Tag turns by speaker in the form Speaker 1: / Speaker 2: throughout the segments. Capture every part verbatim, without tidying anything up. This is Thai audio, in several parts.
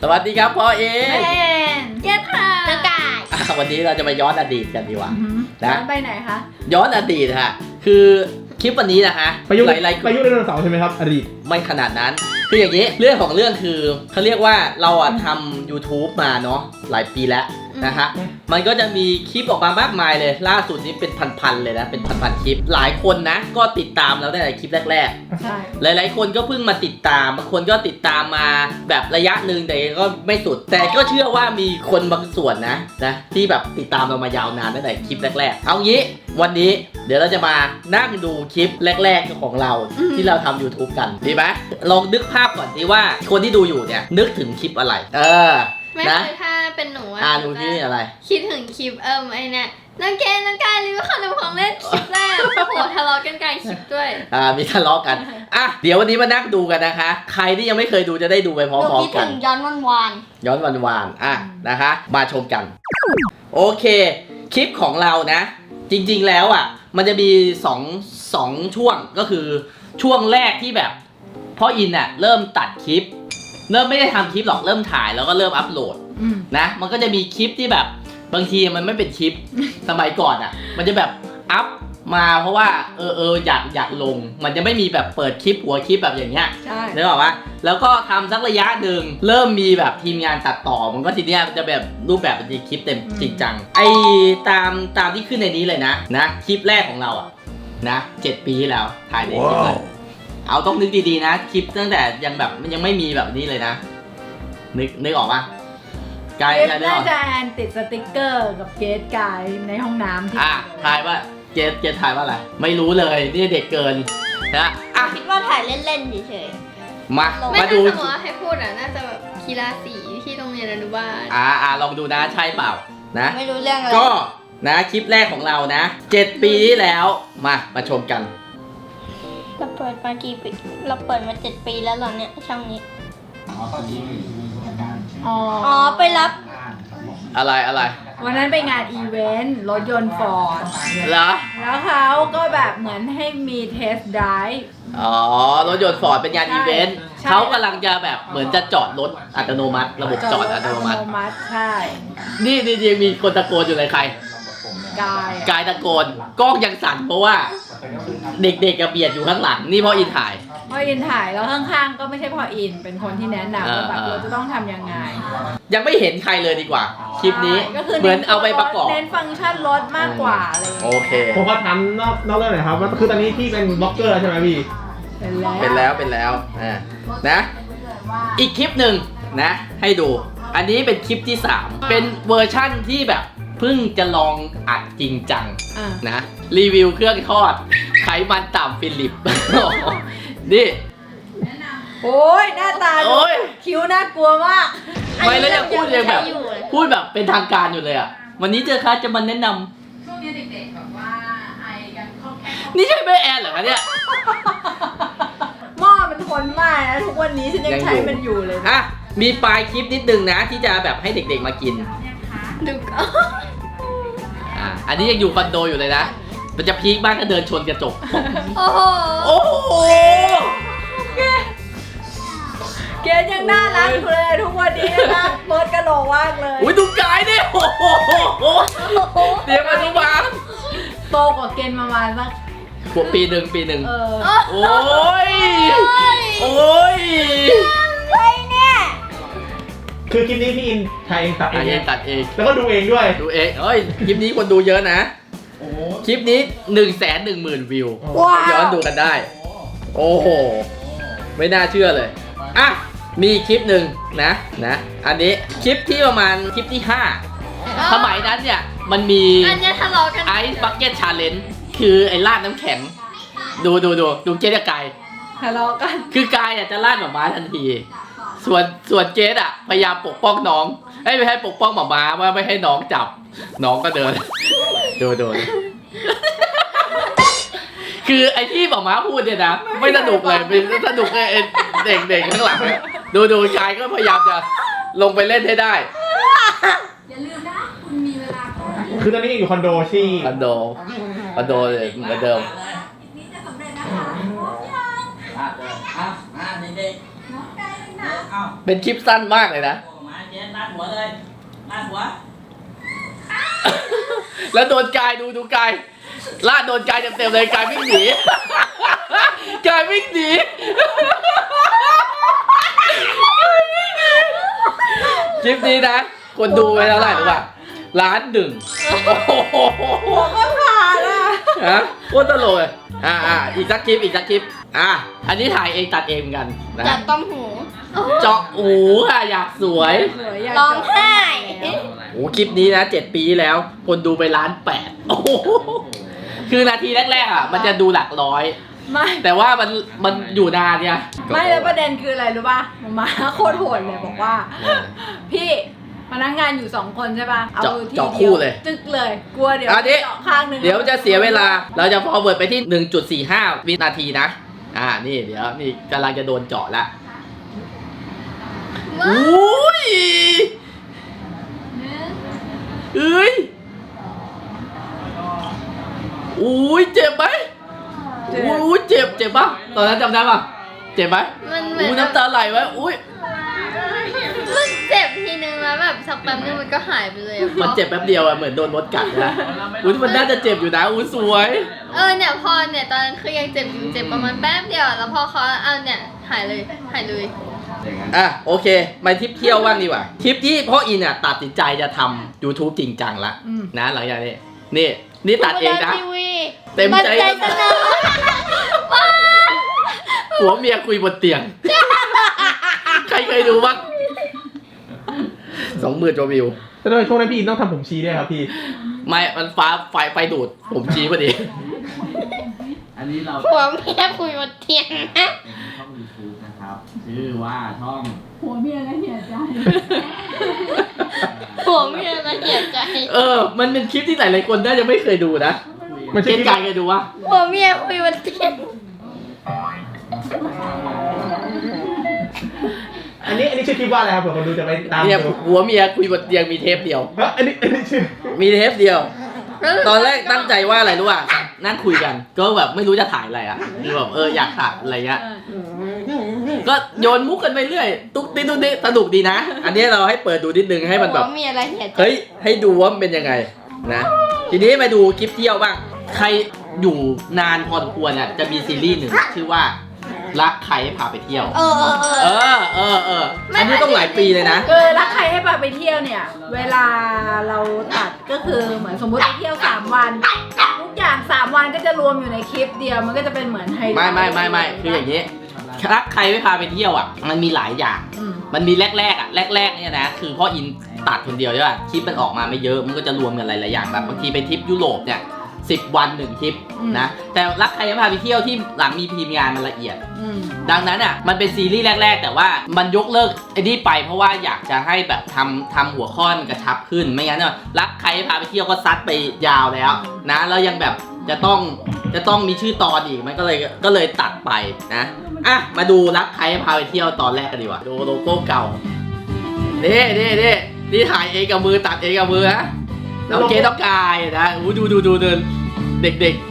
Speaker 1: วัสดีครับพ่อเอ
Speaker 2: แมนเจ๊ค่ะน้ากาย
Speaker 1: วันนี้เราจะมาย้อนอดีตกันดีกว่านะ
Speaker 2: ย้อนไปไหนคะ
Speaker 1: ย้อนอดีตฮะคือคลิปวันนี้นะฮะ
Speaker 3: ประยุกต์
Speaker 1: หลายๆ
Speaker 3: ประยุกต์ไดโนเสาร์ใช่ไหมครับอดีต
Speaker 1: ไม่ขนาดนั้นคืออย่างนี้เรื่องของเรื่องคือเขาเรียกว่าเราอะทำ YouTube มาเนาะหลายปีแล้วนะฮะมันก็จะมีคลิปออกมามากมายเลยล่าสุดนี้เป็นพันๆเลยนะเป็นพันๆคลิปหลายคนนะก็ติดตามเราตั้งแต่คลิปแรกๆ
Speaker 2: ใช่
Speaker 1: หลายๆคนก็เพิ่งมาติดตามบางคนก็ติดตามมาแบบระยะหนึ่งแต่ก็ไม่สุดแต่ก็เชื่อว่ามีคนบางส่วนนะนะที่แบบติดตามเรามายาวนานตั้งแต่คลิปแรกๆเอางี้วันนี้เดี๋ยวเราจะมานั่งดูคลิปแรกๆของเราที่เราทำ YouTube กันดีไหมลองนึกภาพก่อนดีว่าคนที่ดูอยู่เนี่ยนึกถึงคลิปอะไรเออ
Speaker 4: ไม่
Speaker 1: นะ
Speaker 4: คือถ้าเป็นหนู
Speaker 1: อ่าดูที่อะไร
Speaker 4: คิดถึงคลิปเอิมไอเนี่ยน้องเกนน้องกายรีวิวขนมของเล่นคลิปแรกโอ้โหทะเลาะกันกลางคลิปด้วย
Speaker 1: อ่ามีทะเลาะกันอ่ะเดี๋ยววันนี้มานั่งดูกันนะคะใครที่ยังไม่เคยดูจะได้ดูไปพร้อมๆกัน
Speaker 2: ย้อนวันวาน
Speaker 1: ย้อนวันวานอ่ะนะคะมาชมกันโอเคคลิปของเรานะจริงๆแล้วอ่ะมันจะมีสองสองช่วงก็คือช่วงแรกที่แบบพ่ออินอ่ะเริ่มตัดคลิปเริ่มไม่ได้ทำคลิปหรอกเริ่มถ่ายแล้วก็เริ่มอัพโหลดนะมันก็จะมีคลิปที่แบบบางทีมันไม่เป็นคลิป สมัยก่อนอ่ะมันจะแบบอัพมาเพราะว่าเออเอออยากอยากลงมันจะไม่มีแบบเปิดคลิปหัวคลิปแบบอย่างเงี้ย
Speaker 2: ใช่
Speaker 1: นึกออกปะแล้วก็ทำสักระยะหนึ่งเริ่มมีแบบทีมงานตัดต่อมันก็ทีเนี้ยจะแบบรูปแบบเป็นคลิปเต็มจริงจังไอตามตามที่ขึ้นในนี้เลยนะนะคลิปแรกของเราอ่ะนะเจ็ดปีที่แล้วถ่ายในคลิปเลยเอาต้องนึกดีๆนะคลิปตั้งแต่ยังแบบมันยังไม่มีแบบนี้เลยนะนึกนึกออกปะกายกายนึกออก
Speaker 2: น่าจะแอนติดสติ๊กเกอร์กับเกสกายในห้องน้ำที่
Speaker 1: อ่ะทายว่าเจสเจสทายว่าอะไรไม่รู้เลยนี่เด็กเกินนะอ่ะ
Speaker 4: คิดว่าถ่ายเล่นๆเฉย
Speaker 1: มา
Speaker 4: ๆไม่
Speaker 1: มา
Speaker 4: ถ้า
Speaker 1: ดู
Speaker 4: สมมติว่าให้พูดอ่ะน่าจะแบบกีฬาสีที่โรงเรียนอนุบาล
Speaker 1: อ่าอ่าลองดูนะใช่เปล่านะ
Speaker 4: ไม่รู้เรื่องอะไร
Speaker 1: ก็นะคลิปแรกของเรานะเจ็ดปีที่แล้วมามาชมกัน
Speaker 4: เราเปิดมากี่ปีเราเปิดมาเจ็ดปีแล้วเหรอเนี่ยช่องนี้
Speaker 2: อ๋อ
Speaker 4: อ๋อไปรับ
Speaker 1: อะไรอะไร
Speaker 2: วันนั้นไปงานอีเวนต์รถยนต์ฟอร์ด
Speaker 1: เหรอ
Speaker 2: แล้วเขาก็แบบเหมือนให้มีเทสไดรฟ์
Speaker 1: อ๋อรถยนต์ฟอร์ดเป็นงานอีเวนต์เขากำลังจะแบบเหมือนจะจอดรถอัตโนมัติระบบจอดอัตโนมัติ
Speaker 2: ใช่
Speaker 1: นี่นี่ยังมีคนตะโกนอยู่เลยใคร
Speaker 2: กาย
Speaker 1: กายตะโกนกล้องยังสั่นเพราะว่าเด็กๆกับเบียดอยู่ข้างหลังนี่พ่ออินถ่าย
Speaker 2: พ่ออินถ่ายแล้วข้างๆก็ไม่ใช่พ่ออินเป็นคนที่แนะนำว่าแบบเราจะต้องทำยังไง
Speaker 1: ยังไม่เห็นใครเลยดีกว่าคลิปนี้
Speaker 2: ก็คือ
Speaker 1: เหมือนเอาไปประกอบ
Speaker 2: เน้นฟังก์ชันรถมากกว่าอะไรอย่าง
Speaker 1: โอ
Speaker 2: เงี้ย
Speaker 1: เค
Speaker 3: ผมก็ทำนอกนอกเรื่องหน่อยครับว่าคือตอนนี้พี่เป็นบล็อกเกอร์ใช่ไหมพี่
Speaker 2: เป็นแล้ว
Speaker 1: เป็นแล้วเป็นแล้วอ่านะอีกคลิปหนึ่งนะให้ดูอันนี้เป็นคลิปที่สามเป็นเวอร์ชั่นที่แบบเพิ่งจะลองอัดจริงจัง
Speaker 2: อ่ะ
Speaker 1: นะรีวิวเครื่องทอดไขมันต่ำฟิลิป นี่
Speaker 2: โอ้ยหน้าตา
Speaker 1: โอ้ย
Speaker 2: คิ้วน่ากลัวมาก
Speaker 1: ไม่แล้วยังพูดยังแบบพูดแบบเป็นทางการอยู่เลยอ่ะวันนี้เจอค่ะจะมาแนะนำ
Speaker 5: ช่วงนี้เด็กๆแบบว่าไอกันคล่องแคล่ว
Speaker 1: นี่ใช่แม่แอนเหรอคะเนี่ย
Speaker 2: หม้อมันทนมากนะทุกวันนี้ฉันยังใช้มันอยู่เลยนะ
Speaker 1: อ่ะมีปลายคลิปนิดนึงนะที่จะแบบให้เด็กๆมากิน
Speaker 4: ดูก็
Speaker 1: อ่ะอันนี้ยังอยู่คอนโดอยู่เลยนะมันจะพีคบ้างถ้าเดินชนกระจก
Speaker 4: โอ้โห
Speaker 1: โอ้โห
Speaker 2: เกดยังน่ารักอยู่เลยทุกวันนี้นะเบิร์ดกระโหลกมากเลย
Speaker 1: อุ้ยดูกายดิโอ้โหเดี๋ยวมาดูบ้าง
Speaker 2: โตกว่าเกณฑ์ประมาณสัก
Speaker 1: ขวบปีหนึ่งปีหนึ่ง
Speaker 2: เออ
Speaker 1: โอ้ยโอ้ย
Speaker 3: คือคลิปนี้พี่อินถ่ายเองตัดเอ
Speaker 1: อัน
Speaker 3: ง
Speaker 1: นี้ตัดเอง
Speaker 3: แล้วก็ดูเองด้วย
Speaker 1: ดูเองเอ้ยคลิปนี้คนดูเยอะนะคลิปนี้หนึ่งแสนหนึ่งหมื่นวิว
Speaker 2: ว้าว
Speaker 1: ย้อนดูกันได้โอ้โหไม่น่าเชื่อเลยอ่ะมีคลิปหนึ่งนะนะอันนี้คลิปที่ประมาณคลิปที่ห้าสมัยนั้นเนี่ยมันมี
Speaker 4: อันเนี้ยทะเลาะกัน
Speaker 1: ไอซ์บักเก็ตชาเลนจ์คือไอ้ลาดน้ำแข็งดูดูดูดูเจ๊กับกาย
Speaker 2: ทะเลาะกัน
Speaker 1: คือกายอ่ะจะลาดหมาม้าทันที ส่วนส่วนเจ๊อ่ะพยายามปกป้องน้องไอ้ไม่ให้ปกป้องหมาม้าว่าไม่ให้น้องจับน้องก็เดิน ดูดูคือไอ้ที่หมาม้าพูดเนี่ยนะไม่สนุกเลยเป็นสนุกไอ้เด็กเด็กข้างหลังเนี่ยดูดูกายก็พยายามจะลงไปเล่นให้ได้
Speaker 5: อย่าลืมนะ คุณมีเวลาแค่
Speaker 3: คือตอนนี้ยังอยู่คอนโดที่
Speaker 1: คอนโดคอนโดเลยเหมือนเดิม
Speaker 5: นี้จะสำเร็จนะคะพร้อมยังน้องไก่นะ
Speaker 1: เป็นคลิปสั้นมากเลยนะ
Speaker 5: น
Speaker 1: เกณฑ์ลาดหัวเลยลาดหัว แล้วโดนกายดูดูกายลาดโดนกายเต็มๆเลยกายวิ่งหนีกายวิ่งหนีคลิปนี้นะคนดูไปเท่าไหร่รู้ป่ะล้านหนึ่งโอ้โห
Speaker 2: ก็ผ่านอ่ะ
Speaker 1: ฮะโคตรตลกเลยอ่าอ่าอีกสักคลิปอีกสักคลิปอ่ะอันนี้ถ่ายเองตัดเองเหมือนกันนะ
Speaker 4: จับต้มหู
Speaker 1: เจาะหูค่ะอยากสวย
Speaker 2: สวยอยาก
Speaker 4: ร้องไห้
Speaker 1: โอ้คลิปนี้นะเจ็ดปีแล้ว คนดูไปล้านแปดโอ้โหคือนาทีแรกๆอ่ะมันจะดูหลักร้อย
Speaker 2: ไม่
Speaker 1: แต่ว่ามันมันอยู่นานเนี่ย
Speaker 2: ไม่แล้วประเด็นคืออะไรรู้ป่ะหมาโคตรโหดเลยบอกว่า พี่พนักงานอยู่สองคนใช่ป่ะเอา
Speaker 1: เจาะ
Speaker 2: ที
Speaker 1: เจาะ
Speaker 2: เดี
Speaker 1: คู่
Speaker 2: ยว
Speaker 1: เลย
Speaker 2: จึกเลยกลัวเดี๋ยว
Speaker 1: อันนี้
Speaker 2: เจาะข้างหนึ่ง
Speaker 1: เดี๋ยวจะเสียเวลาเราจะ forward ไปที่ หนึ่งจุดสี่ห้า วินาทีนะอ่านี่เดี๋ยวนี่กำลังจะโดนเจาะละอุ้ยเอ้ยอุ้ยเจ็บไหมอุ้ยเจ็บเจ็บปะตอนนั้นจำได้ปะเจ็บไหม
Speaker 4: มันเหมือน
Speaker 1: อุ้ยน้ำตาไหลไหมอุ้ย
Speaker 4: มันเจ็บทีนึงแล้วแบบสักแป๊บนึงมันก็หายไปเลยอะ
Speaker 1: มันเจ็บแป๊บเดียวอะเหมือนโดนมดกัดนะอุ้ยมันน่าจะเจ็บอยู่นะอุ้ยสวย
Speaker 4: เออเนี่ยพอเนี่ยตอนนั้นคือยังเจ็บอยู่เจ็บประมาณแป๊บเดียวแล้วพอเขาเอาเนี่ยหายเลยหายเลย
Speaker 1: อ่ะโอเคมาทริปเที่ยวบ้างดีกว่าทริปที่พ่ออินอ่ะตัดสินใจจะทำ YouTube จริงจังละนะหลังจากนี้นี่นี่ตัดเองนะ
Speaker 4: ทีวี
Speaker 1: เต็มใจ
Speaker 4: นเสนอ
Speaker 1: ผัวเมียคุยบนเตียง ใครเคยดูบ้างสองหมื่นกว่าวิว
Speaker 3: แต่ด้วยช่วงนั้นพี่อินต้องทำผมชี้ด้วยครับพี่
Speaker 1: ไม่มันฟ้าไฟไฟดูดผมชี้พอดี
Speaker 6: อันนี้เรา
Speaker 4: หัวเมียคุยบนเตียงนะ
Speaker 6: เป็นช่อง YouTube นะครับ ชื่อว่าช่อง
Speaker 5: หัวเมียก็เหียใจ
Speaker 4: หัวเมียละเอียดใจ
Speaker 1: เออ มันเป็นคลิปที่หลายๆคนน่าจะไม่เคยดูนะ
Speaker 3: มัน
Speaker 1: เก
Speaker 3: ใช่
Speaker 1: ณ
Speaker 3: ที่
Speaker 1: ฑ์การเคยดูวะ
Speaker 4: หัวเมียคุยบนเตียง
Speaker 3: อันนี้อันนี้ชื่อคลิปว่าอะไรครับเผื่อคนดูจะไปตาม
Speaker 1: เนี่ย
Speaker 3: ดู
Speaker 1: ผัวเมียคุยบนเตียงมีเทปเดียว
Speaker 3: เอ้ยอันนี้อันนี้ชื่อ
Speaker 1: มีเทปเดียว ตอนแรกตั้งใจว่าอะไรรู้ป่ะนั่งคุยกัน ก็แบบไม่รู้จะถ่ายอะไรอ่ะคือแบบเอออยากถ่ายอะไรเงี้ย ก็โยนมุกกันไปเรื่อย ตุ๊กติ๊กตุ๊กติ๊กสนุกดีนะ อันนี้เราให้เปิดดูนิดนึงให้มันแบบ
Speaker 4: หัวเมียละเอียดใจ
Speaker 1: เฮ้ย ให้ดูว่ามันเป็นยังไงนะ ทีนี้มาดูคลิปเที่ยวบ้าง ใครอยู่นานพอสมควรอ่ะ จะมีซีรีส์หนึ่งชื่อว่ารักใครให้พาไปเที่ยว
Speaker 4: เออเออเอ
Speaker 1: เอ
Speaker 4: อ
Speaker 1: อเออเอออันนี้ต้องหลายปีเลยนะ
Speaker 2: คือรักใครให้พาไปเที่ยวเนี่ย เวลาเราตัดก็คือเหมือนสมมติไปเที่ยวสามวันทุกอย่างสามวันก็จะรวมอยู่ในคลิปเดียวมันก็จะเป็นเหมือนไฮไลท์
Speaker 1: ไม่ไม่ไม่ไม่คืออย่างนี้ รักใครไม่พาไปเที่ยวอ่ะ มันมีหลายอย่าง
Speaker 2: อืม
Speaker 1: มันมีแรกๆอ่ะแรกๆเนี่ยนะคือพ่ออินตัดคนเดียวใช่ป่ะคลิปมันออกมาไม่เยอะมันก็จะรวมกันหลายๆอย่างแบบบางทีไปทริปยุโรปเนี่ยสิบวันหนึ่งทริปนะแต่รักใครไม่พาไปเที่ยวที่หลังมีทีมงานมันละเอียด
Speaker 2: อืม
Speaker 1: ดังนั้นอ่ะมันเป็นซีรีส์แรก ๆ แต่ว่ามันยกเลิกไอ้นี่ไปเพราะว่าอยากจะให้แบบทำทำหัวข้อมันกระชับขึ้นไม่งั้นเนี่ยรักใครไม่พาไปเที่ยวก็ซัดไปยาวแล้วนะแล้วยังแบบจะต้องจะต้องมีชื่อตอนอีกมันก็เลยก็เลยตัดไปนะอ่ะมาดูรักใครให้พาไปเที่ยวตอนแรกกันดีกว่าดูโลโก้เก่านี่นี่นี่นี่ถ่ายเองกับมือตัดเองกับมือนะน้องเกต้องกายนะอู้ดูดูดูเดินเด็ก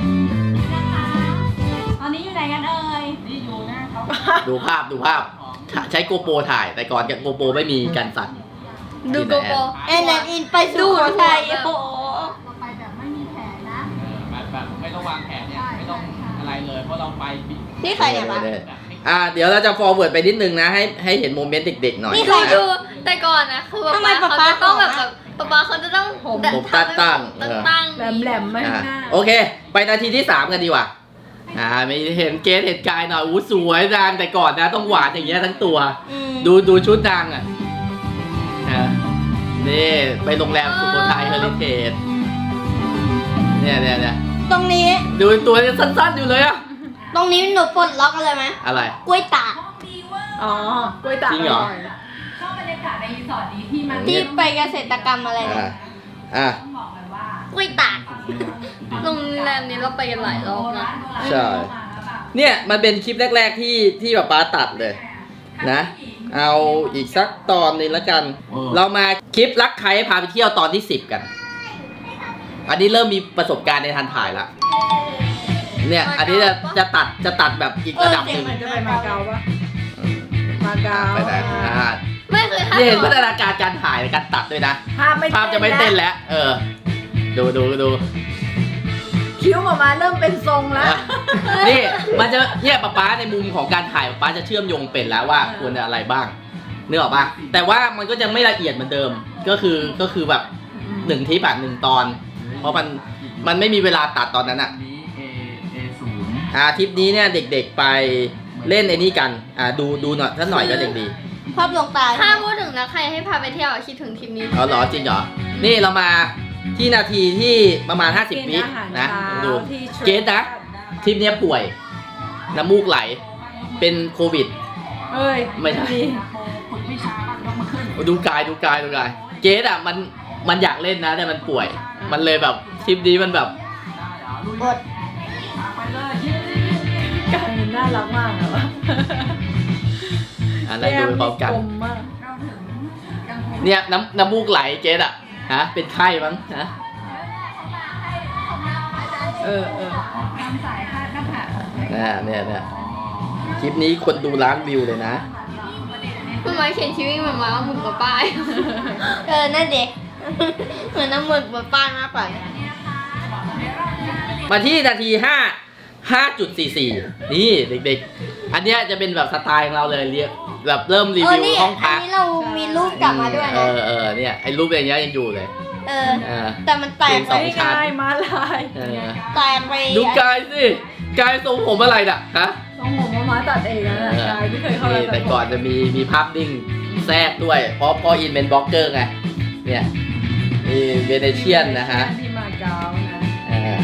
Speaker 5: ตอนนี้อยู่ไหนกันเอ่ย
Speaker 6: นี่อยู่หน้าเขา
Speaker 1: ๆ ดูภาพดูภาพใช้โกโปรถ่ายแต่ก่อนกับโกโปรไม่มีกันสั่น
Speaker 4: ดูโกโก้แอนแอนอินไปสู่หัวใจโอ้โห
Speaker 5: เราไปแบบไม่มีแผนนะ
Speaker 6: แบบแบบไม่ต้องวางแผนเนี่ย ไม่ต้องอะไรเลย เพราะเราไปบิ
Speaker 4: นี่ใครเนี่ยปะ
Speaker 1: อ่าเดี๋ยวเราจะ forward ไปนิดนึงนะให้ให้เห็นโมเมนต์เด็กๆหน่อย
Speaker 4: นี่ใคร
Speaker 1: นะ
Speaker 4: ดูแต่ก่อนนะคือป๊า
Speaker 2: ทำไม
Speaker 4: ป๊า
Speaker 2: ป๊า
Speaker 4: เขา
Speaker 2: ป๊า
Speaker 4: จะต้องแบบแบบป๊าป๊าเขาจะต้อง
Speaker 2: ผม
Speaker 1: ผมตั้งตั้ง
Speaker 4: ตั้ง
Speaker 1: เออ
Speaker 4: ตั้ง
Speaker 2: แหลมแหลมๆไม่
Speaker 1: อ่า
Speaker 2: หน้า
Speaker 1: โอเค ไปนาทีที่สามกันดีกว่าอ่าไม่เห็นเกสเห็นกายหน่อยอู้สวยนางแต่ก่อนนะต้องหวานอย่างเงี้ยทั้งตัว
Speaker 4: อืม
Speaker 1: ดูดูชุดนางอ่ะอ่านี่ไปโรงแรมสุโขทัยเฮอริเทจเนี่ยเนี่ยเนี่ย
Speaker 4: ตรงนี้
Speaker 1: ดูตัวยังสั้นๆอยู่เลยอะ
Speaker 4: ตรงนี้หนูปลดล็อกอะไรไหม
Speaker 1: อะไร
Speaker 4: กล้วยตาก
Speaker 5: ห้องดีเวอร์
Speaker 2: อ๋อกล้วยตาก
Speaker 1: จริงเหรอ
Speaker 2: ร่ย
Speaker 5: ชอบบรรยากาศในรีสอร์ทนี้ที่มัน
Speaker 4: ที่ไปเกษตรกรรมอะไร
Speaker 1: อ่า
Speaker 4: เนี่ย
Speaker 1: อ่า
Speaker 5: ต้องบอกเลยว่าก
Speaker 4: ล้วยตากโรงแรมนี้เราไปกันหลายรอบนะ
Speaker 1: ใช่ เนี่ยมันเป็นคลิปแรก ๆที่ที่ป๊าป๊าตัดเลยนะ เอาอีกสักตอนหนึงแล้วกัน เรามาคลิปรักใครให้พาไปเที่ยวตอนที่สิบกัน อันนี้เริ่มมีประสบการณ์ในทันถ่ายละเนี่ยอันนี้จะจะตัดจะตัดแบบอีกระดับหนึ่ง
Speaker 2: มันจะไปมาเก๊าปะมาเก๊า
Speaker 1: ไปไหนอ่า
Speaker 4: ไม่คือถ้า
Speaker 1: นี่เห็นพัฒนาการการถ่ายการตัดด้วยนะ
Speaker 2: ภาพไม่
Speaker 1: ภาพจะไม่เต้นแล้ว เออ ดูดูดู
Speaker 2: คิ้วออกมาเริ่มเป็นทรงแล้ว
Speaker 1: อ่ะนี่มันจะเนี่ยป๊าป๊าในมุมของการถ่ายป๊าป๊าจะเชื่อมโยงเป็นแล้วว่าควรจะอะไรบ้างนึกออกปะแต่ว่ามันก็จะไม่ละเอียดเหมือนเดิม ก็คือก็คือแบบหนึ่งทิปอะหนึ่งตอน เพราะมันมันไม่มีเวลาตัดตอนนั้นอะ
Speaker 6: นี้ A A ศูนย์
Speaker 1: อ่าทริปนี้เนี่ยเด็กๆไปเล่นไอ้นี่กัน อ่าดูดูหน่อยถ้าหน่อยก็เด็กดี
Speaker 7: ภาพลวงตา
Speaker 4: ถ้าพูดถึงแล้วใครให้พาไปเที่ยวอะคิดถึงทริปนี้
Speaker 1: อ๋อเหรอจริงเหรอ นี่เรามาที่นาทีที่ประมาณ ห้าสิบ วิ
Speaker 2: กิอาหาร
Speaker 1: นะ
Speaker 2: เช้า
Speaker 1: ดู
Speaker 2: ที่
Speaker 1: เกสนะทริปเนี้ยป่วย น้ำมูกไหล เป็นโควิด
Speaker 2: เอ้ย
Speaker 1: ไม่ใช่
Speaker 2: ดี
Speaker 1: ดูกายดูกายดูกาย เกสอ่ะมันมันอยากเล่นนะแต่มันป่วย มันเลยแบบทริปนี้มันแบบ
Speaker 7: บท
Speaker 2: กายมันน่ารักมากอะวะ
Speaker 1: อันนั้นดูไปพร้อมกัน
Speaker 2: แก้มมาก
Speaker 1: เนี่ยน้ำน้ำมูกไหลเกสอ่ะฮะเป็นไข้มั้งฮะ
Speaker 2: เออเออ
Speaker 5: ทำสายคาดหน้าผาก
Speaker 1: เนี่ยเนี่ยเนี่ยคลิปนี้คนดูล้านวิวเลยนะ
Speaker 4: มันมาเขียนชีวิตเหมือนมาว่าหมึกกับป้าย
Speaker 7: เออ นั่นเด็ก เหมือนน้ำหมึกบนป้ายมากกว่า
Speaker 1: มาที่นาทีห้าห้าจุดสี่สี่นี่เด็กๆ อันเนี้ยจะเป็นแบบสไตล์ของเราเลยเรียกแบบเริ่มรี
Speaker 7: เออ
Speaker 1: วิว
Speaker 7: นี่
Speaker 1: ห้อง
Speaker 7: อั
Speaker 1: พั
Speaker 7: น
Speaker 1: ก
Speaker 7: นี้เรามีรูปกลับมาด้วย
Speaker 1: เอ
Speaker 7: นะ
Speaker 1: อเออเนี่ยไอ้รูปอย่างเงี้ยยังอยู่เลย
Speaker 7: เออ
Speaker 1: เออ
Speaker 7: แต่มันแตก
Speaker 1: ส
Speaker 7: ไป
Speaker 1: อง
Speaker 2: ไม่
Speaker 1: ชั้น
Speaker 2: กายมาลาย
Speaker 1: เออ
Speaker 7: แตกไป
Speaker 1: ดูกายสิกายทรงผมอะไรน่ะฮะ
Speaker 2: ต้องผมมามาตัดเองนะ
Speaker 1: เออก
Speaker 2: ายไม่เคยเข้าไป
Speaker 1: นี่แต่ก่อนจะมีมีภาพนิ่งแทรกด้วย เพราะพ่ออินเป็นบล็อกเกอร์ไงเนี่ยมีเวเนเชียนนะฮะ
Speaker 2: ที่มาเก๊านะ
Speaker 1: อ่า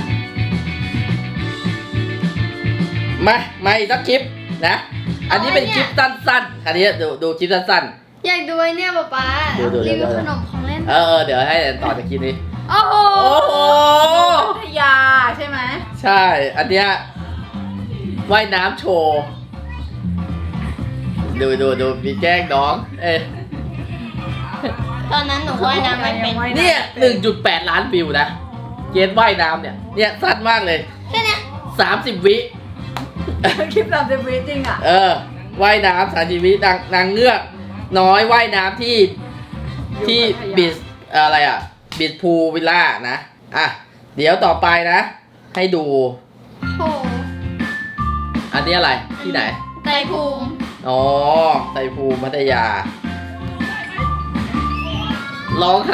Speaker 1: มามาอีกสักคลิปนะ อันนี้เป็นคลิปสั้นๆ อันนี้ดูดูคลิปสั้น
Speaker 4: อยากดูไอ้เนี่ยป๊าป๊า
Speaker 1: ดูดูดู
Speaker 4: รีวิวขนมของเล่น
Speaker 1: ๆ เออเออเดี๋ยวให้ต่อจากคลิปนี้
Speaker 4: โอ้โห
Speaker 1: โอ้โห
Speaker 2: พัทยาใช่ไหม
Speaker 1: ใช่ อันเนี้ยว่ายน้ำโชว์ ดูดูดูมีแกล้งน้อง เอ้ย
Speaker 7: ตอนนั้นหนูว่ายน้ำไม่เป็น
Speaker 1: เนี่ยหนึ่งจุดแปดล้านวิวนะ เกณฑ์ว่ายน้ำเนี่ย เนี่ยสั้นมากเลย
Speaker 7: แค่เนี้ย
Speaker 1: สามสิบวิ
Speaker 2: คลิปสามสิบวิจริงอ่ะ
Speaker 1: เออ ว่ายน้ำสามสิบวินางนางเงือก น้อยว่ายน้ำที่ที่บิสอะไรอ่ะ บิสพูวิลล่านะ อ่ะ เดี๋ยวต่อไปนะ ให้ดู
Speaker 4: โอ้โห
Speaker 1: อันนี้อะไร ที่ไหน
Speaker 4: ไตรภูมิ
Speaker 1: อ๋อไตรภูมิพัทยา ร้องไห้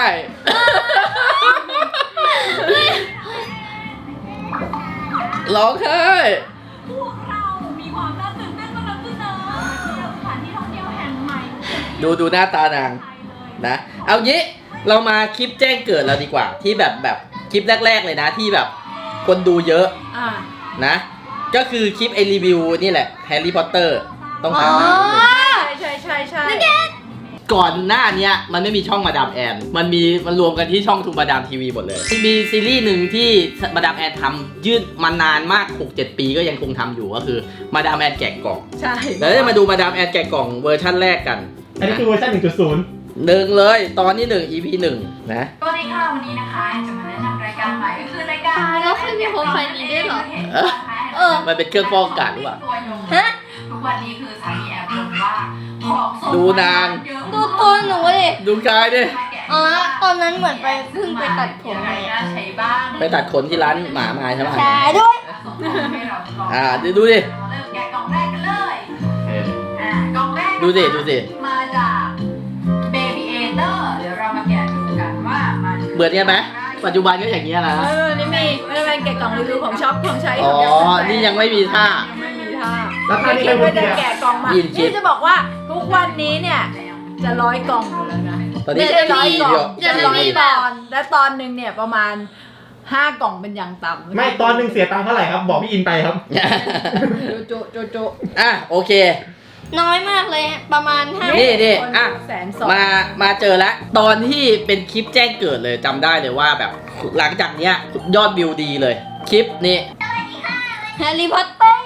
Speaker 1: ร้องไห้
Speaker 5: พวกเรามีความน่าตื่นเต้นมานำเสนอสถานที่ท่องเที่ยวแห่งใหม่
Speaker 1: ดูดูหน้าตานางนะ เอางี้เรามาคลิปแจ้งเกิดเราดีกว่า ที่แบบแบบคลิปแรก ๆ เลยนะที่แบบคนดูเยอะ
Speaker 2: อ่า
Speaker 1: นะ ก็คือคลิปไอรีวิวนี่แหละแฮร์รี่พอตเตอร์ต้อง
Speaker 7: อ๋อ
Speaker 1: ทำนะ
Speaker 2: ใช่ใช่ใช่
Speaker 1: ก่อนหน้าเนี้ยมันไม่มีช่องมาดามแอน มันมีมันรวมกันที่ช่องทูมาดามทีวีหมดเลยมีซีรีส์หนึ่งที่มาดามแอนทำยืดมานานมาก หกเจ็ด ปีก็ยังคงทำอยู่ก็คือมาดามแอนแกะกล่อง
Speaker 2: ใช่
Speaker 1: เดี๋ยวจะมาดูมาดามแอนแกะกล่องเวอร์ชั่นแรกกัน
Speaker 3: อันนี้คือเวอร์ชันหนึ่งจุดศูนย์
Speaker 1: หนึ่งเลยตอนที่หนึ่ง อี พี หนึ่งนะ
Speaker 5: สวัสดีค่ะวันนี้นะคะจะมาแนะนำรายการใหม่ก็คือรายการ
Speaker 4: ตายแล้วเคยมีโปรไฟล์นี้ด้วยเหรอ
Speaker 1: เออ
Speaker 7: เออ
Speaker 1: มันเป็นเครื่องฟอกอากาศหรือเปล่า
Speaker 7: ฮะ
Speaker 5: ทุกวันนี้คือสามีแอบลงว่าของส่ง
Speaker 1: ดูนาง
Speaker 5: เยอะ
Speaker 7: ดูตัวหนูดิ
Speaker 1: ดูกายดิ
Speaker 7: อ๋อ ตอนนั้นเหมือนไปเพิ่งไปตัดผม
Speaker 5: อะไร
Speaker 7: มา
Speaker 5: น่าใช้บ้าง
Speaker 1: ไปตัดขนที่ร้านหมามาใช่ไหม
Speaker 7: ใช่ด้วย
Speaker 5: ส่งของให้เราลอง
Speaker 1: อ่าดูดูดิ
Speaker 5: เริ่มแกะกล่องแรกกันเลยอ่ากล่องแรก
Speaker 1: ดูสิดูสิ
Speaker 5: มาจาก Baby Eater เดี๋ยวเรามาแกะดูกันว่ามัน
Speaker 1: เบื่อเนี่ยไหมปัจจุบันก็อย่างเงี้ยนะ
Speaker 2: เออนี่มีไม่เป็นแกะกล่องรีวิวของช็อปของใช้
Speaker 1: อ๋
Speaker 2: ข
Speaker 1: อ
Speaker 2: อง
Speaker 1: นี่ยังไม่มีท่า
Speaker 2: ยังไม่มีท่า
Speaker 3: แล้วท่า
Speaker 2: ไม่
Speaker 3: นี้
Speaker 2: คิ
Speaker 3: ใคร
Speaker 2: ด
Speaker 3: พู
Speaker 2: ว่า
Speaker 3: ด
Speaker 2: จะ
Speaker 3: เนี่ย
Speaker 2: แกะกล่องมา
Speaker 1: ยินคิด
Speaker 2: นี่จะบอกว่าทุกวันนี้เนี่ยจะร้อยกล่องอยู่แล้วนะ
Speaker 1: ตอนนี้
Speaker 2: ไม่ใช่ร้อยกล่อง
Speaker 1: เดียว
Speaker 2: จะร้อยตอนและตอนหนึ่งเนี่ยประมาณห้ากล่องเป็นอย่างต่ำ
Speaker 3: ไม่ตอนหนึ่งเสียตังค์เท่าไหร่ครับ บอกพี่อินไปครับ
Speaker 2: โจโจโจโจ
Speaker 1: อ่ะโอเค
Speaker 7: น้อยมากเลย ประมาณห้า
Speaker 1: นี่นี่
Speaker 2: คน
Speaker 1: อ่ะ
Speaker 2: แสนสอง
Speaker 1: มามาเจอแล้ว ตอนที่เป็นคลิปแจ้งเกิดเลยจำได้เลยว่าแบบหลังจากเนี้ยยอดวิวดีเลย คลิปนี้
Speaker 7: แฮร์รี่พอตเตอร์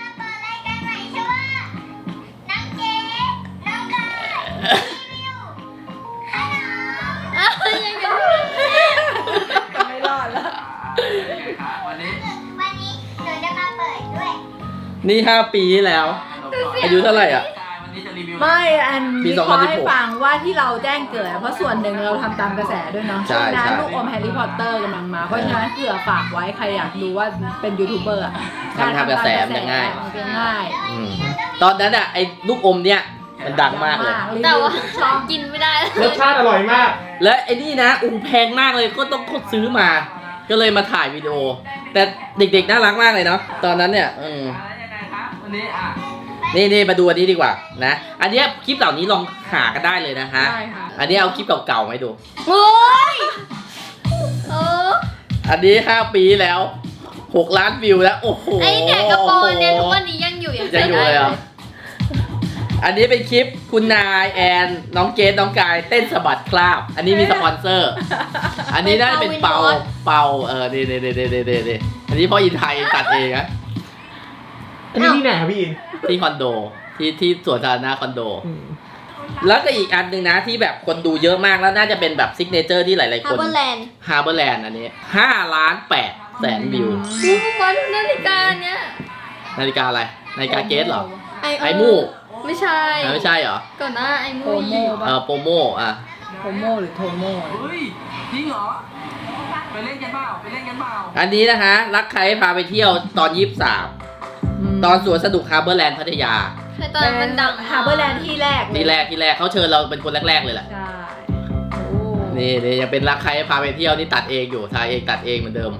Speaker 4: อ้าวยังไง
Speaker 2: ไม่รอดแล้ว
Speaker 6: วันนี้
Speaker 7: วันนี้หนูจะมาเปิดด้วย
Speaker 1: นี่ห้าปีที่แล้ว อายุเท่าไหร่อ่ะ
Speaker 6: วันนี้จะรีวิว
Speaker 2: ไม่อัน
Speaker 1: ปี
Speaker 2: วิ
Speaker 1: สอง
Speaker 2: เค
Speaker 1: พัน
Speaker 2: ราะ
Speaker 1: สิบหก
Speaker 2: ห์ให้ฟังว่าที่เราแจ้งเกิดเพราะส่วนหนึ่งเราทำตามกระแสด้วยเนาะ
Speaker 1: ใช่
Speaker 2: ช่วงนั้น
Speaker 1: ใช่
Speaker 2: ลูกอมแฮร์รี่พอตเตอร์กำลังมา เพราะฉะนั้นเผื่อฝากไว้ใครอยากดูว่าเป็นยูทูบเบอร์อะ
Speaker 1: ทำทำกระแสมันจะง่าย
Speaker 2: มันจะง่าย
Speaker 1: อืมตอนนั้นอ่ะไอ้ลูกอมเนี่ยมันดังมากเลย
Speaker 4: แต่ว่า
Speaker 2: ชอบ
Speaker 4: กินไม่ได้
Speaker 3: รสชาติอร่อยมาก
Speaker 1: และไอ้นี่นะอู้แพงมากเลยก็ต้องกดซื้อมา ก็เลยมาถ่ายวิดีโอ แต่เด็กๆน่ารักมากเลยเนาะตอนนั้นเนี่ยอืม
Speaker 6: แล้วยังไงครับวันนี้อ่ะ
Speaker 1: นี่นี่มาดูอันนี้ดีกว่านะ อันเนี้ยคลิปเหล่านี้ลองหากันได้เลยนะฮะ
Speaker 2: ได้ค่ะ
Speaker 1: อันนี้เอาคลิปเก่าๆมาให้ดู
Speaker 4: โอ้ยโอ้
Speaker 1: อันนี้ห้าปีแล้วหกล้านวิวแล้วโอ้โห
Speaker 4: ไอเนี่ยกระโปรงเนี่ยทุกวันนี้ยังอยู่ยัง
Speaker 1: ยังอยู่เลยเหรออันนี้เป็นคลิปคุณนายแอนน้องเกดน้องกายเต้นสะบัดคราบ อันนี้มีสปอนเซอร์ อันนี้น่าจะเป็นเปาเปาเออเดเดเดเดเดเดอันนี้พ่ออินไทยตัดเองนะ
Speaker 3: อันนี้ที่ไหนครับพี่อิน
Speaker 1: ที่คอนโดที่ที่สวนสาธารณะคอนโด
Speaker 3: อืม
Speaker 1: แล้วก็อีกอันหนึ่งนะที่แบบคนดูเยอะมากแล้วน่าจะเป็นแบบซิกเนเจอร์ที่หลายๆ
Speaker 7: ฮา
Speaker 1: ค
Speaker 7: ร์
Speaker 1: น
Speaker 7: เบอร์แลนด์
Speaker 1: ฮาร์เบอร์แลนด์อันนี้ห้าล้านแปดแสนวิว
Speaker 4: ดูมาดูนาฬิกาเนี่ย
Speaker 1: นาฬิกาอะไร นาฬิกาเกสเหรอ
Speaker 7: ไอ
Speaker 1: ไอมู
Speaker 4: ไม่ใช่
Speaker 1: อ่ะไม่ใช่เหรอ
Speaker 4: ก่อนหน้าไอมู
Speaker 2: โทโม
Speaker 1: เออโปโมอ่ะ
Speaker 2: โทโมหรือโทโม
Speaker 6: เฮ้ยจริงเหรอไปเล่นกันเปล่าไปเล่นกันเปล่า
Speaker 1: อันนี้นะคะ รักใครพาไปเที่ยวตอนยี่สิบสามตอนสวนสนุกฮาร์เบอร์แลนด์พัทยา
Speaker 4: ใช่ตอนนั้นมันดัง
Speaker 2: ฮาร์เบอร์แลนด์ที่แรกเลย
Speaker 1: ที่แรกที่แรกเขาเชิญเราเป็นคนแรกๆเลยแหละ
Speaker 2: ใช่โอ้
Speaker 1: นี่นี่ยังเป็นรักใครพาไปเที่ยวนี่ตัดเองอยู่ถ่ายเองตัดเองเหมือนเดิม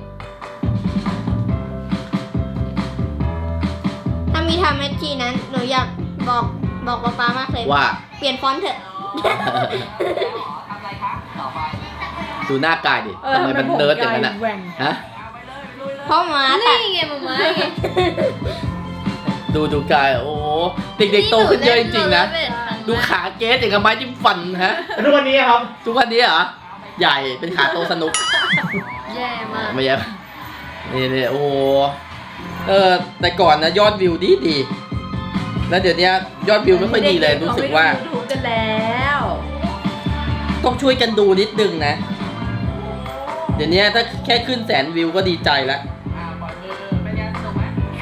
Speaker 7: ถ้ามีทำแมทชีนั้นหนูอยากบอกบอกป๊าป๊ามากเลย
Speaker 1: ว่า
Speaker 7: เปลี่ยนฟอนต์เถอะ
Speaker 6: ทำอะไรคะต่อไป
Speaker 1: ดูหน้ากายดิ
Speaker 2: เออ
Speaker 1: ทำไมมันเนิร์ดอย่างนั้นอ่ะ
Speaker 2: แหว่ง
Speaker 1: ฮะ
Speaker 6: เอาไปเลยไปลุยเลย
Speaker 7: เพราะหมาตั
Speaker 4: นี่
Speaker 7: ด
Speaker 4: ไงมาม่าไง
Speaker 1: ดูดูกายโอ้โหเด็กๆโตขึ้นเยอะจริงๆนะ ดูขาเกสอย่างกับไม้จิ้มฟันฮะ
Speaker 3: แล้วทุกวันนี้ครับ
Speaker 1: ทุกวันนี้เหรอ ใหญ่เป็นขาโตสนุก
Speaker 4: แย่มาก
Speaker 1: ไม่ใช่นี่นี่โอ้โหเออแต่ก่อนนะยอดวิวดีดีแล้วเดี๋ยวนี้ยอดวิวไม่ค่อยดีเลยรู้สึกว่า
Speaker 2: เขไม่ดู YouTube กันแล้ว
Speaker 1: ต้องช่วยกันดูนิดนึงนะ เดี๋ยวนี้ถ้าแค่ขึ้นแสนวิวก็ดีใจแล้ว
Speaker 6: อ่าปล่อยมือเป็นไงสนุกไหม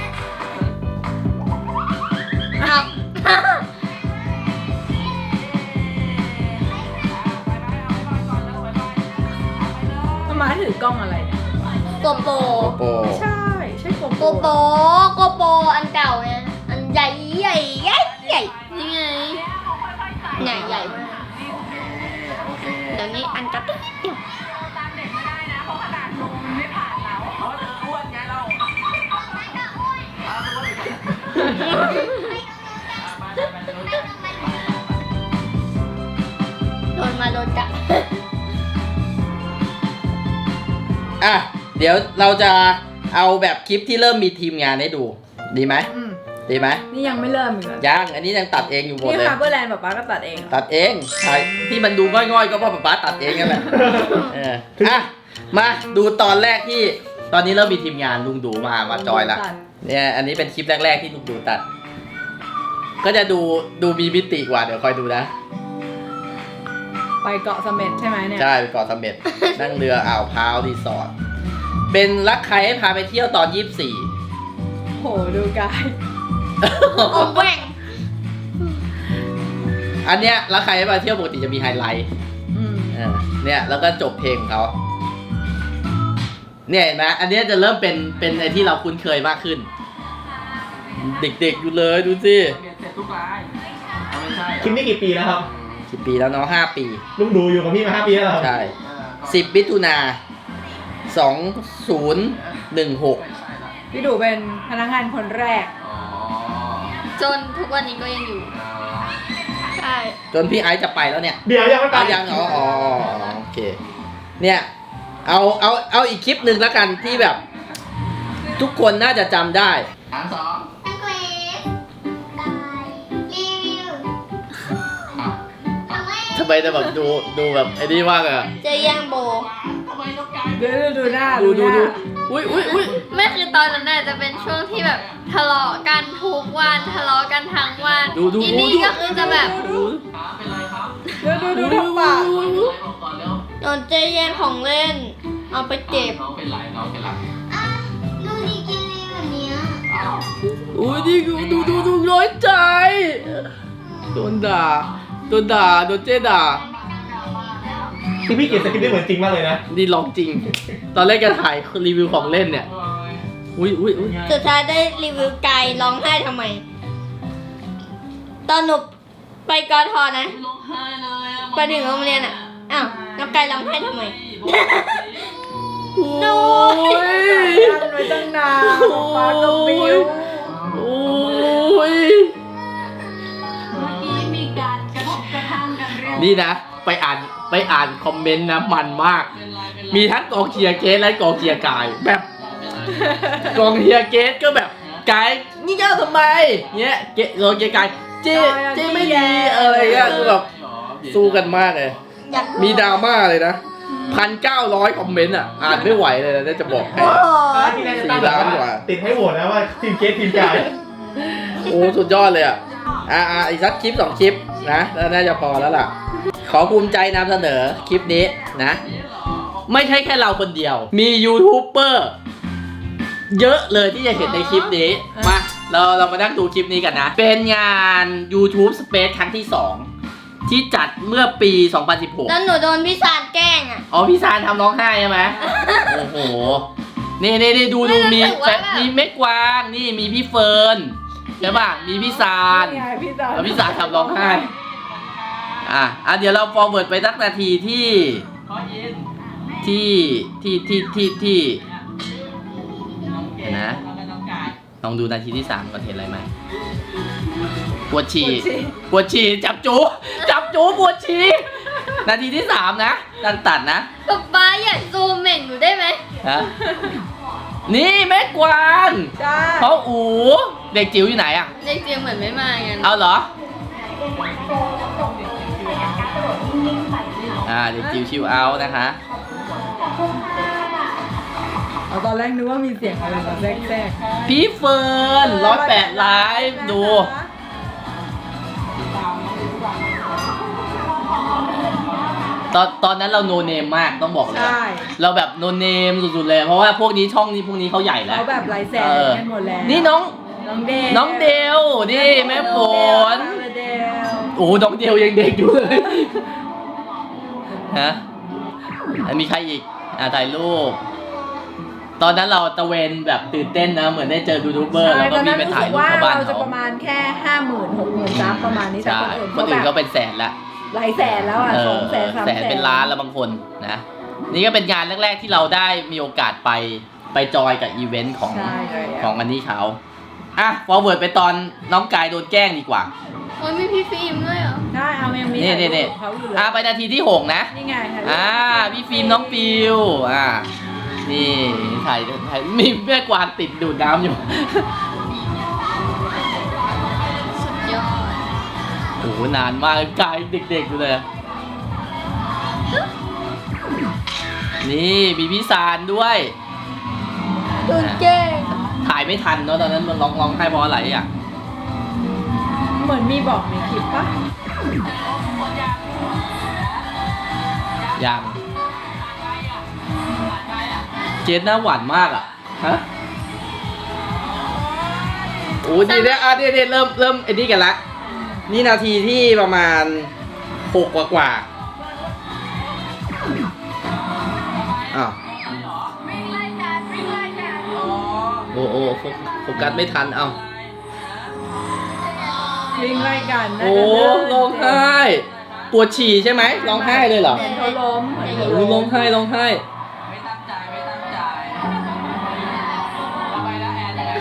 Speaker 7: เอา
Speaker 2: มามาถือกล้องอะไรเนี่ย
Speaker 7: โกโป
Speaker 1: โป
Speaker 2: ไม่ใช่ใช่โก
Speaker 7: โกโปโกโปอันเก่าไงอันใหญ่ใหญ่ใหญ่ใหญ่
Speaker 4: นี่ไง
Speaker 7: ใหญ่ใหญ่มากเดี๋ยวนี้อันกระติ๊ดเดียว
Speaker 5: ตามเด็กไม่ได้นะ เพราะขนาดลุงมันไม่ผ่านเรา
Speaker 6: เพราะเธออ้วนไงเราเอาตัวไปไปไปไป
Speaker 7: โดนมาโดนกัด
Speaker 1: อ่ะเดี๋ยวเราจะเอาแบบคลิปที่เริ่มมีทีมงานให้ดู ดีไหม
Speaker 2: อืม
Speaker 1: ดีไหม
Speaker 2: นี่ยังไม่เริ่มอีกเหรอ
Speaker 1: ยังอันนี้ยังตัดเองอยู่หมด
Speaker 2: นี่
Speaker 1: เลย
Speaker 2: ฮาร์เบอร์แลนด์ป๊าป๊าก็ตัดเองเหรอ
Speaker 1: ตัดเองถ่ายที่มันดูง่อยๆก็เพราะป๊าป๊าตัดเองนั่นแหละเอออ่ะมาดูตอนแรกที่ตอนนี้เริ่มมีทีมงานลุงดูมามาจอยละ
Speaker 2: ตัด
Speaker 1: เนี่ยอันนี้เป็นคลิปแรกๆที่ลุงดูตัด ก็จะดูดูมีมิติกว่าเดี๋ยวคอยดูนะ
Speaker 2: ไปเกาะเสม็ดใช่ไหมเนี่ย
Speaker 1: ใช่ไปเกาะเสม็ด นั่งเรืออ่าวพร้าวรีสอร์ทเป็นรักใครให้พาไปเที่ยวตอนยี่สิบสี่
Speaker 2: โหดูกาย
Speaker 7: อมแหว่ง
Speaker 1: อันเนี้ยรักใครให้พาเที่ยวปกติจะมีไฮไลท์
Speaker 2: อืม
Speaker 1: เออเนี่ยแล้วก็จบเพลงของเขาเนี่ยเห็นไหมอันเนี้ยจะเริ่มเป็นเป็นไอที่เราคุ้นเคยมากขึ้น เด็กๆอยู่เลยดูสิ
Speaker 6: เปลี่ยนเสร็จทุกรายเอาไม่ใช่
Speaker 3: คลิปนี้กี่ปีแล้วครับ
Speaker 1: สิบปีแล้วเนาะห้าปี
Speaker 3: ลุงดูอยู่กับพี่มาห้าปีแล้วเหรอครับ
Speaker 1: ใช่
Speaker 6: เออ
Speaker 1: สิบมิถุนาสองศูนย์หนึ่งหก
Speaker 2: พี่ดูเป็นพนักงานคนแรก
Speaker 6: อ๋อ
Speaker 4: จนทุกวันนี้ก็ยังอยู่
Speaker 7: ใช่
Speaker 1: จนพี่ไอซ์จะไปแล้วเนี่ย
Speaker 3: เดี๋ยวยังไม่ไป
Speaker 1: เอายังอ๋ออ๋ออ๋อโอเค เนี่ย เอา เอา เอาอีกคลิปหนึ่งแล้วกันที่แบบ ทุกคนน่าจะจำได้
Speaker 6: ฐานสอง
Speaker 7: อังกฤษได้รีวิว
Speaker 6: อ่ะ
Speaker 1: ทำไมจะแบบดูดูแบบไอ้นี่มากอะ
Speaker 7: เจอยังโบ
Speaker 6: ทำไมต้องการ
Speaker 2: ดูดูดูหน้า
Speaker 1: ดูดู
Speaker 2: ห
Speaker 1: ดู
Speaker 2: น้า
Speaker 1: อุ้ยอุ้ยอุ้ย
Speaker 4: ไม่คือตอนนั้นน่ะจะเป็นช่วงที่แบบทะเลาะกันทุกวันทะเลาะกันทั้งวัน
Speaker 1: ดูดู
Speaker 4: อี
Speaker 1: ดู
Speaker 4: นี่
Speaker 1: ดู
Speaker 4: ก็คือจะแบบ
Speaker 1: ดู
Speaker 6: ขาเป็นไรครับ
Speaker 2: ดูดูดูทำปาก
Speaker 6: เป็นไรบอกก่อนเร็ว
Speaker 7: โดนเจแย่งของเล่น เอาไปเจ็บ
Speaker 6: น้องเป็นไรน้องเป็นไร
Speaker 7: ลูกนี่กินเลยแบบนี้
Speaker 6: อ้าว
Speaker 1: อุ้ยนี่ดูดูดูดูร้อยใจ
Speaker 7: ม
Speaker 1: โดนด่าโดนด่าโดนเจ๊ด่า
Speaker 3: ที่พี่เขียนสคริปต์ได้เหมือนจริงมากเลยนะ
Speaker 1: นี่ลองจริง ตอนแรกจะถ่ายรีวิวของเล่นเนี่ยอุ้ยอุ้ยอุ้ย
Speaker 7: สุดท้ายได้รีวิวไก่ร้องไห้ทำไม ตอนหนูไปกอทอนะ ไปถึงโรงเรียนอ่ะ อ้าวน้องไก่ร้องไห้ทำไม
Speaker 1: โอ้ย
Speaker 2: กันไว้ตั้งนานฟ้าก็บิ้ว
Speaker 1: โอ้ย
Speaker 5: เมื่อกี้มีการกระทบกระทั่งกันเรื่อง
Speaker 1: นี่นะ ไปอ่านไปอ่านคอมเมนต์นะมันมาก มีทั้งกองเชียร์เกสและกองเชียร์กายแบบ กองเชียร์เกสก็แบบกายนี่เจ้าทำไมเงี้ยเกสกองเชียร์กายเจ๊เจ๊ไม่ดีอะไรเงี้ยคือแบบสู้กันมากเลย
Speaker 7: อยาก
Speaker 1: มีดราม่าเลยนะพันเก้าร้อยคอมเมนต์อ่ะอ่านไม่ไหวเลยนะจะบอกให้
Speaker 7: โอ้โห
Speaker 3: ที่แรกจะตั้งแบบว่าติดให้โหวตนะว่าทีมเกสทีมกาย
Speaker 1: โอ้สุดยอดเลยอ่ะอ่าอ่าอีกสักคลิปสองคลิปนะแล้วน่าจะพอแล้วล่ะ ขอภูมิใจนำเสนอคลิปนี้นะ ไม่ใช่แค่เราคนเดียว มียูทูบเบอร์เยอะเลยที่จะเห็นในคลิปนี้มาเราเรามานั่งดูคลิปนี้กันนะ เป็นงาน YouTube Space ครั้งที่สองที่จัดเมื่อปี สองพันสิบหก
Speaker 7: แล้วหนูโดนพี่สารแกล้งอ่ะ
Speaker 1: อ๋อพี่ซานทำร้องไห้ใช่ไหม โอ้โห นี่นี่นี่ดูดูมี
Speaker 7: ไม่รู้สึกว่าแบบ
Speaker 1: มีเม็กกวาง นี่มีพี่เฟิร์นใช่ป่ะ มีพี่ซาน
Speaker 2: นี่ไงพี่สาว
Speaker 1: แล้วพี่ซานทำร้องไห้ อ่ะอ่ะเดี๋ยวเรา forward ไปสักนาทีที่
Speaker 6: ขอยิน
Speaker 1: ที่ที่ที่ที่ที่เห็นนะ
Speaker 6: แล้วก็น้องกาย
Speaker 1: ลองดูนาทีที่สามก่อนเห็นอะไรไหมปวดฉี่ปวดฉี่จับจูจับจูปวดฉี่นาทีที่สามนะตัดตัดนะ
Speaker 4: ป๊าป๊าอยากซูมเหม่งหนูได้ไหม
Speaker 1: ฮะนี่แม่กวาง
Speaker 2: ใช่
Speaker 1: เขาอูเด็กจิ๋วอยู่ไหนอ่ะ
Speaker 4: เด็กเจียงเหมือนไม่มากัน
Speaker 1: เอาเหรอ อ่าเด็กจิ๋วชิวเอานะคะ
Speaker 2: เอาตอนแรกนึกว่ามีเสียงอะไรมาแทรกแทรก
Speaker 1: พี่เฟิร์นร้อยแปดไลฟ์ดู ตอนตอนนั้นเราโนเนมมากต้องบอกเลย
Speaker 2: ใช่
Speaker 1: เราแบบโนเนมสุดๆเลย เพราะว่าพวกนี้ช่องนี้พวกนี้เขาใหญ่แล้ว
Speaker 2: เขาแบบไร้แส
Speaker 1: เอง อ
Speaker 2: กันหมดแล้ว
Speaker 1: นี่น้อง
Speaker 2: น้องเดล
Speaker 1: น้องเดลนี่แม่ฝน
Speaker 2: เดล
Speaker 1: โอ้น้องเดลยังเด็กอยู่เลยฮะแล้วมีใครอีกอ่ะถ่ายรูป ตอนนั้นเราตะเวนแบบตื่นเต้นนะ เหมือนได้เจอยูทูบเบอร์แล้วก็มีไปถ่ายรูปชาวบ้าน
Speaker 2: เราจะ
Speaker 1: เขา
Speaker 2: ประมาณแค่ห้าหมื่นหกหมื่นซับประมาณนี้แต่
Speaker 1: ใช่
Speaker 2: คนอื่น
Speaker 1: คนอื่น
Speaker 2: แบ
Speaker 1: ก็
Speaker 2: บ
Speaker 1: เป็นแสนละ
Speaker 2: หลายแสนแล้วอ่ะ
Speaker 1: เอ
Speaker 2: ส
Speaker 1: อ
Speaker 2: องแสนสาม
Speaker 1: แสนเป็นล้านแล้วบางคนนะ นี่ก็เป็นงานแรก ๆ ที่เราได้มีโอกาสไปไปจอยกับอีเวนต์ของ
Speaker 2: ใช่เลย
Speaker 1: ของอันนี้เขาอ่ะ forward ไปตอนน้องกายโดนแกล้งดีกว่า
Speaker 4: โอ้ยมีพี่ฟิล์มด้วยเหรอ
Speaker 2: ได้เอายังมี
Speaker 1: นี่นี่นี่
Speaker 2: เขาอยู่เลย
Speaker 1: อ่ะไปนาทีที่หกนะ
Speaker 2: นี่ไงถ่ายรูป
Speaker 1: อ่าพี่ฟิล์มน้องฟิวอ่านี่ถ่ายถ่ายมีแม่กวางติดดูดน้ำอยู่
Speaker 4: สุดยอด
Speaker 1: โอ้โหนานมากกายเด็กๆอยู่เลย นี่มีพี่ซานด้วย
Speaker 7: โดนแกล้ง
Speaker 1: ถ่ายไม่ทันเนาะตอนนั้นมันร้องร้องไห้เพราะอะไรอ่ะ
Speaker 2: เหมือนมีบอกในคลิปปะ
Speaker 1: ยังเจนหน้าหวานมากอ่ะ ฮะ โอ้ดีเนี่ยอ่ะเดี๋ยวเดี๋ยวเริ่มเริ่มไอ้นี่กันละ นี่นาทีที่ประมาณหกกว่ากว่าอ้าวโอ้โอ้โฟโฟกัสไม่ทัน เอ้า
Speaker 2: วิ่งไล่กันน่า
Speaker 1: โอ้
Speaker 2: จะเลิก
Speaker 1: ร้องไห้ ปวดฉี่ใช่ไหมร้องไห้เลยเหรอ
Speaker 2: เหมือนเขาล้มเหมือนเขา
Speaker 1: โอ้
Speaker 2: ล้
Speaker 1: ร้อ
Speaker 2: ม
Speaker 1: งไห้ร้องไห้
Speaker 6: ไม่ตั้งใจไม่ตั้งใจเอาไปแล้วแอนยังไง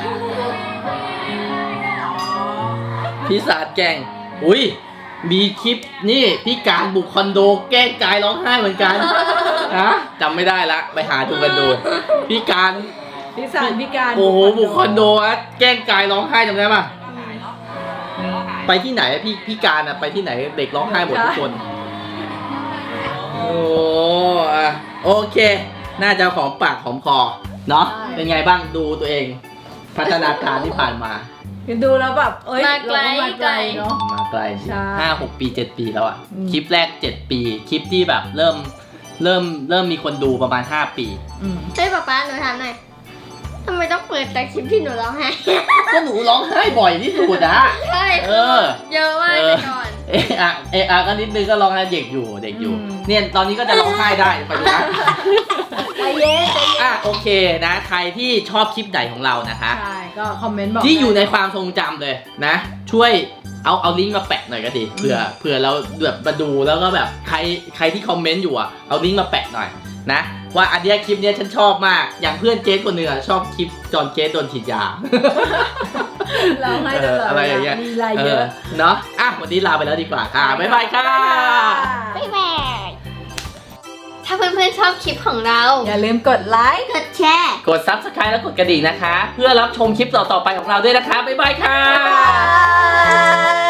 Speaker 6: นะ
Speaker 1: พี่ศาสตร์แกล้งอุ้ย มีคลิปนี่พี่การบุกคอนโดแกล้งกายร้องไห้เหมือนกัน ฮะจำไม่ได้ละ ไปหาดูกันดู พี่การ
Speaker 2: พิสานพิการ
Speaker 1: โอ้โหบุกคอนโดอะแกล้งกายร้องไห้จำได้ปะไปที่ไหนอะพี่พี่การอะไปที่ไหนเด็กร้องไห้หมดทุกคน โอ้อะโอเค น่าจะหอมปากหอมคอเนาะเป็นไงบ้างดูตัวเอง พัฒนาการที่ผ่านมา
Speaker 2: ดูแล้วแบบเอ้ย
Speaker 4: มาไกล
Speaker 2: เรามาไกลเนาะ
Speaker 1: มาไกล
Speaker 2: ใช่
Speaker 1: ห้าหกปีเจ็ดปีแล้วอะ
Speaker 2: อืม
Speaker 1: คลิปแรกเจ็ดปี คลิปที่แบบเริ่มเริ่มเริ่มมีคนดูประมาณห้าปี
Speaker 2: อืม
Speaker 7: เฮ้ยป๊าป๊าหนูถามหน่อยทำไมต้องเปิดแต่คลิปที่หนูร้องไห้
Speaker 1: ก็หนูร้องไห้บ่อยที่สุดอะ
Speaker 7: ใช่
Speaker 1: เออ
Speaker 7: เยอะมากแต่ก่อน
Speaker 1: เอะอะเอะอะก็นิดนึงก็ร้องไห้เด็กอยู่เด็กอยู่
Speaker 2: อืม
Speaker 1: เนี่ยตอนนี้ก็จะร้องไห้ได้ไปดูนะ
Speaker 2: ใจเย็นใจเย็น
Speaker 1: อ่ะโอเคนะ ใครที่ชอบคลิปไหนของเรานะคะ
Speaker 2: ใช่ก็คอมเมนต์บอก
Speaker 1: ที่อยู่ใน
Speaker 2: ได้
Speaker 1: ความทรงจำเลยนะ ช่วยเอาเอาลิงก์มาแปะหน่อยก็ดีเผื่อเผื่อเราแบบมาดูแล้วก็แบบใครใครที่คอมเมนต์อยู่อ่ะเอาลิงก์มาแปะหน่อยนะ ว่าอันเนี้ยคลิปเนี้ยฉันชอบมากอย่างเพื่อนเจสคนหนึ่งอ่ะชอบคลิปจอนเจสโดนฉีดยา
Speaker 2: เราให้ตลอด
Speaker 1: เอออะไรอย่างเงี้ย
Speaker 2: มีรายเยอะ
Speaker 1: เนาะอ่ะวันนี้ลาไปแล้วดีกว่าค่ะบ๊ายบายค่ะ
Speaker 7: บ๊ายบาย
Speaker 4: ถ้าเพื่อนๆชอบคลิปของเรา
Speaker 2: อย่าลืมกดไลค์
Speaker 7: กดแชร์
Speaker 1: กด ซับสไครบ์ และกดกระดิ่งนะคะ เพื่อรับชมคลิปต่อๆไปของเราด้วยนะคะบ๊ายบายค่ะ
Speaker 2: บ๊ายบาย